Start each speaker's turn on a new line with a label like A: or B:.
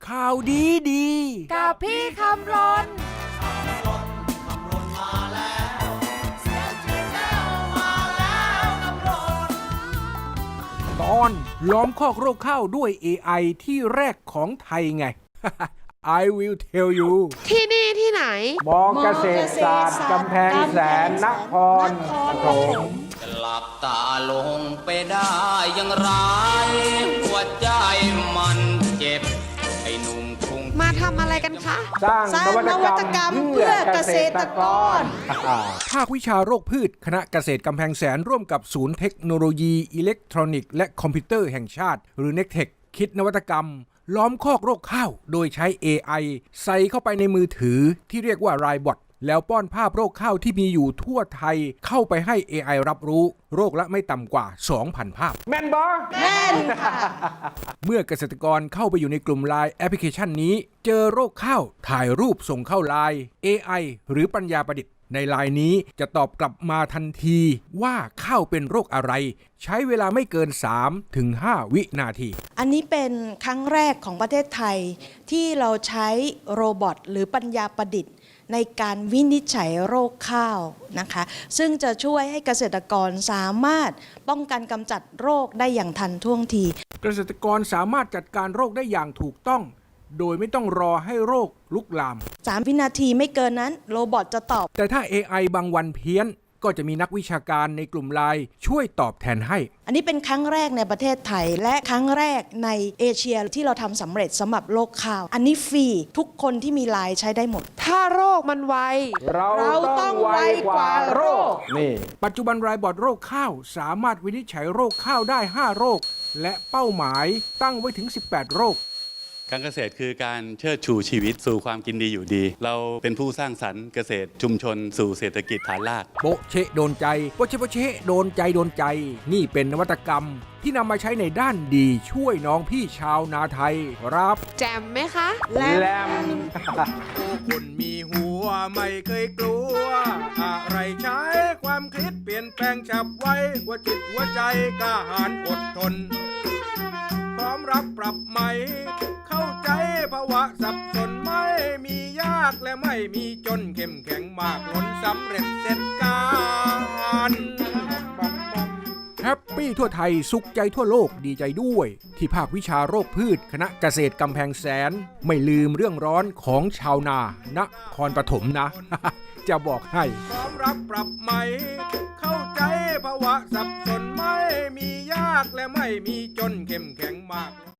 A: ข่าวดีดี
B: กับพี่คำรน
A: ตอนล้อมคอกโรคข้าวด้วย AI ที่แรกของไทยไง I will tell you
B: ที่นี่ที่ไหน
C: มอเกษตรศาสตร์กำแพงแสนนครปฐม
D: จะหลับตาลงไปได้อย่างไรหัวใจมันเจ็บไอ้หนุ่มคง
B: มาทำอะไรกันคะ
C: สร้างนวัตกรรมเพื่อเกษตรกร
A: ภาควิชาโรคพืชคณะเกษตรกำแพงแสนร่วมกับศูนย์เทคโนโลยีอิเล็กทรอนิกส์และคอมพิวเตอร์แห่งชาติหรือ NECTEC คิดนวัตกรรมล้อมคอกโรคข้าวโดยใช้ AI ใส่เข้าไปในมือถือที่เรียกว่า Rybot แล้วป้อนภาพโรคข้าวที่มีอยู่ทั่วไทยเข้าไปให้ AI รับรู้โรคละไม่ต่ำกว่า 2,000 ภาพ
C: แม่นบอ
B: แม่นค่ะ
A: เมื่อเกษตรกรเข้าไปอยู่ในกลุ่ม LINE แอปพลิเคชันนี้เจอโรคข้าวถ่ายรูปส่งเข้า LINE AI หรือปัญญาประดิษฐ์ใน LINE นี้จะตอบกลับมาทันทีว่าข้าวเป็นโรคอะไรใช้เวลาไม่เกิน 3-5 วินาที
E: อันนี้เป็นครั้งแรกของประเทศไทยที่เราใช้โรบอทหรือปัญญาประดิษฐ์ในการวินิจฉัยโรคข้าวนะคะซึ่งจะช่วยให้เกษตรกรสามารถป้องกันกำจัดโรคได้อย่างทันท่วงที
A: เกษตรกรสามารถจัดการโรคได้อย่างถูกต้องโดยไม่ต้องรอให้โรคลุกลาม
E: 3 วินาทีไม่เกินนั้นโรบอทจะตอบ
A: แต่ถ้า AI บางวันเพี้ยนก็จะมีนักวิชาการในกลุ่ม LINE ช่วยตอบแทนให้
E: อันนี้เป็นครั้งแรกในประเทศไทยและครั้งแรกในเอเชียที่เราทำสำเร็จสำหรับโรคข้าว อันนี้ฟรีทุกคนที่มีไลน์ใช้ได้หมด
B: ถ้าโรคมันไว
C: เราต้องไวกว่าโรคนี่
A: ปัจจุบันรายบอร์ดโรคข้าวสามารถวินิจฉัยโรคข้าวได้ 5 โรค และเป้าหมายตั้งไว้ถึง 18 โรค
F: การเกษตรคือการเชิดชูชีวิตสู่ความกินดีอยู่ดี เราเป็นผู้สร้างสรรค์เกษตรชุมชนสู่เศรษฐกิจฐานราก
A: โปะเชะโดนใจโปะเชะโปะเชะโดนใจโดนใจ นี่เป็นนวัตกรรมที่นำมาใช้ในด้านดีช่วยน้องพี่ชาวนาไทยครับ
B: แจมไหมคะ
C: แลม
A: คนมีหัวไม่เคยกลัว อะไรใช้ความคิดเปลี่ยนแปลงฉับไวหัวจิตหัวใจกล้าหาญอดทน พร้อมรับปรับใหม่ เข้าใจภาวะสับสนไม่มียากและไม่มีจนเข้มแข็งมากล้นสำเร็จเสร็จการแฮปปี้ทั่วไทยสุขใจทั่วโลกดีใจด้วย ที่ภาควิชาโรคพืชคณะเกษตรกำแพงแสน ไม่ลืมเรื่องร้อนของชาวนานครปฐมนะ จะบอกให้พร้อมรับปรับใหม่ เข้าใจภาวะสับสนไม่มียากและไม่มีจนเข้มแข็งมาก